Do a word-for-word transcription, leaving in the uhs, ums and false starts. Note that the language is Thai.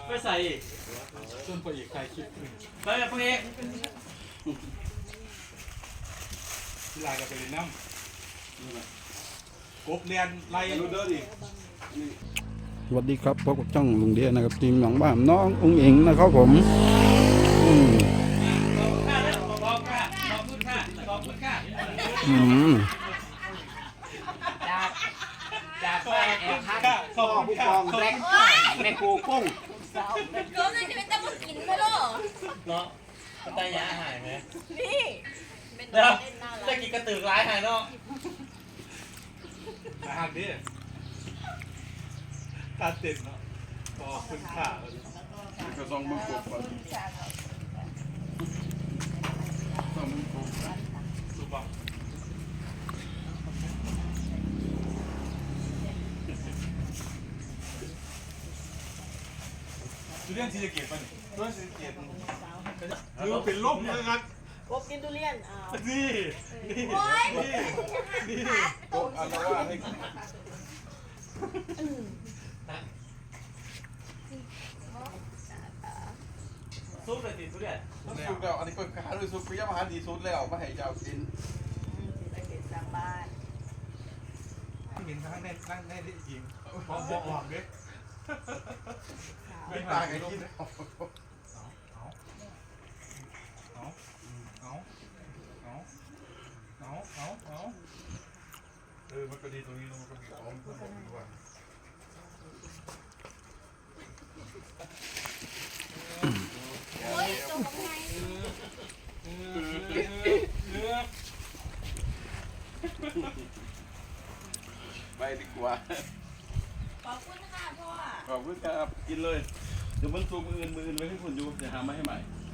ไปใส่อีกส่วนพระเอกใครคิดขึ้นไปแบบพวกเอกที่ลายกับไปเรียนน้ำกบเรียนไล่รู้เด้อดิสวัสดีครับพบกับช่องลุงเดียนะครับทีมหนองบ้านน้ององเอ๋งนะครับผมอืมขอบคุณค่ะขอบค่ะขอบคุณค่ะขอบคุณค่ะอืมจากจากบ้านแอบพักขอบคุณค่ะแบล็คแม่กูกุ้งก็เลยจะเป็นตะมุกินไปหรอเนาะกระต่ายยาหายไหมนี่เป็นเดี๋ยวเล่นน่ารัจะกกินกระตือร้ายหายเนาะอาหารดิตาเต็มเนาะขอบคุณค่ะกระซองมือกบก่อนซองมือกบสุบังจุเรียนที่จะเก็บป่ะนี่จุเรียนที่จะเก็บคือเป็นลมเลยครับกบกินทุเรียนอ้าวนี่นี่โอ๊ยนี่นี่กบอันละว่าให้ซุปเลยติทุเรียนสุดแล้วอันนี้ก็หาด้วยสุดพยายามหาดีสุดแล้วมาให้เจ้ากินไปเก็บสร้างบ้านเห็นทั้งในนั่งในที่ยิงพร้อมบอกหวังดิไม่ตายกันกินเอาเอาเอาเอาเอาเอาเอาเอาเออมันก็ดีตรงนี้มันก็มีอ้อมมันบอกดีว่าโอ้ยจงกับไงไปดีกว่าขอบคุณค่ะพ่อขอบคุณครับกินเลยเดี๋ยวมันซูมมืออื่นมืออื่นไว้ให้คุณอยู่จะหามาให้ใหม่อ